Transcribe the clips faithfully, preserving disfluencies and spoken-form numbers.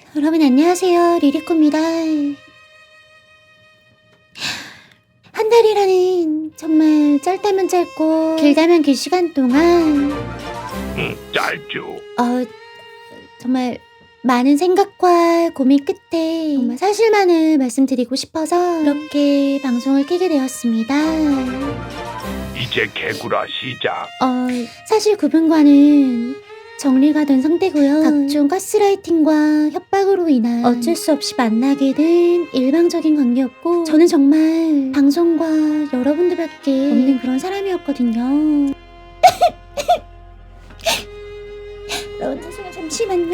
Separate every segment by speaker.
Speaker 1: 여러분 안녕하세요. 리리코입니다. 한 달이라는 정말 짧다면 짧고 길다면 길 시간 동안
Speaker 2: 응, 짧죠.
Speaker 1: 어 정말 많은 생각과 고민 끝에 정말 사실만을 말씀드리고 싶어서 이렇게 방송을 켜게 되었습니다.
Speaker 2: 이제 개구라 시작.
Speaker 1: 어 사실 그분과는 정리가 된 상태고요. 각종 가스라이팅과 협박으로 인한 어쩔 수 없이 만나게 된 일방적인 관계였고, 저는 정말 방송과 여러분들밖에 없는 그런 사람이었거든요. 여러분 죄송해요. 잠시만요.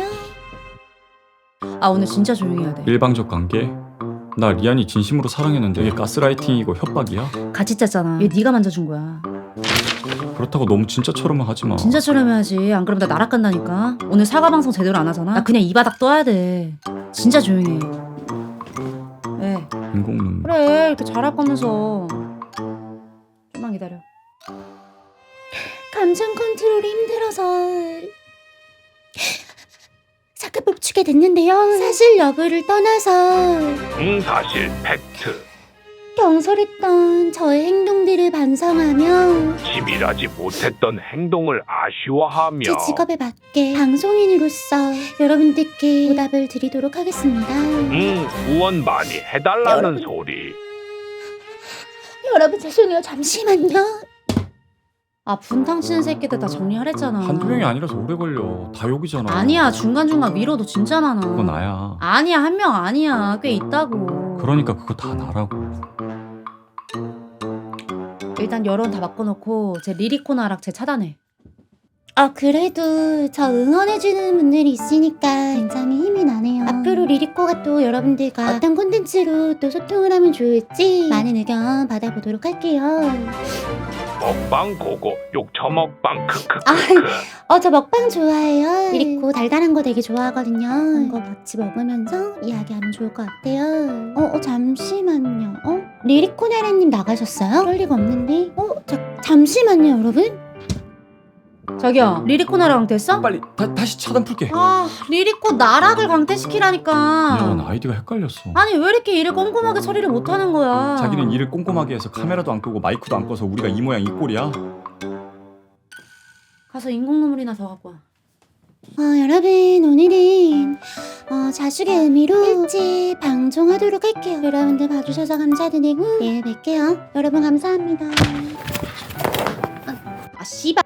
Speaker 3: 아 오늘 진짜 조용히 해야 돼.
Speaker 4: 일방적 관계? 나 리안이 진심으로 사랑했는데 이게 가스라이팅이고 협박이야?
Speaker 3: 같이 짰잖아. 얘 네가 만져준 거야.
Speaker 4: 그렇다고 너무 진짜처럼은 하지마.
Speaker 3: 진짜처럼 해야지. 안 그러면 나 나락 간다니까. 오늘 사과 방송 제대로 안 하잖아. 나 그냥 이 바닥 떠야 돼. 진짜 조용히 해. 왜?
Speaker 4: 인공 눈물.
Speaker 3: 그래 이렇게 잘할 거면서. 좀만 기다려.
Speaker 1: 감정 컨트롤이 힘들어서 잠깐 멈추게 됐는데요. 사실 여부를 떠나서
Speaker 2: 응, 사실 팩트.
Speaker 1: 경솔했던 저의 행동들을 반성하며
Speaker 2: 치밀하지 못했던 행동을 아쉬워하며
Speaker 1: 제 직업에 맞게 방송인으로서 여러분들께 보답을 드리도록 하겠습니다.
Speaker 2: 응, 후원 많이 해달라는
Speaker 1: 여러분.
Speaker 2: 소리.
Speaker 1: 여러분 죄송해요. 잠시만요.
Speaker 3: 아 분탕 치는 새끼들 다 정리하랬잖아.
Speaker 4: 한두 명이 아니라서 오래 걸려. 다 욕이잖아.
Speaker 3: 아니야 중간중간 위로도 진짜 많아.
Speaker 4: 그거 나야.
Speaker 3: 아니야 한 명 아니야. 꽤 있다고.
Speaker 4: 그러니까 그거 다 나라고.
Speaker 3: 일단 여론 다 바꿔놓고 제 리리코나 하락 제 차단해.
Speaker 1: 아 그래도 저 응원해주는 분들이 있으니까 굉장히 힘이 나네요. 앞으로 리리코가 또 여러분들과 어떤 콘텐츠로 또 소통을 하면 좋을지 많은 의견 받아보도록 할게요.
Speaker 2: 먹방 고고 욕처 먹방 크크크크.
Speaker 1: 어 저 먹방 좋아해요. 리리코 달달한 거 되게 좋아하거든요. 그런 거 같이 먹으면서 이야기하면 좋을 것 같아요. 어, 어 잠시만요. 어? 리리코 나라님 나가셨어요? 그럴 리가 없는데. 어? 자, 잠시만요 여러분.
Speaker 3: 저기요 리리코나 랑 됐어?
Speaker 4: 빨리 다, 다시 차단 풀게.
Speaker 3: 아 리리코 나락을 강퇴시키라니까.
Speaker 4: 미안, 아이디가 헷갈렸어.
Speaker 3: 아니 왜 이렇게 일을 꼼꼼하게 처리를 못하는 거야.
Speaker 4: 자기는 일을 꼼꼼하게 해서 카메라도 안 끄고 마이크도 안 꺼서 우리가 이 모양 이 꼴이야.
Speaker 3: 가서 인공눈물이나 더 갖고 와.
Speaker 1: 어, 여러분 오늘은 어, 자숙의 의미로 일찍 방송하도록 할게요. 여러분들 봐주셔서 감사드리고 내일 뵐게요. 여러분 감사합니다. 아, 아 씨발.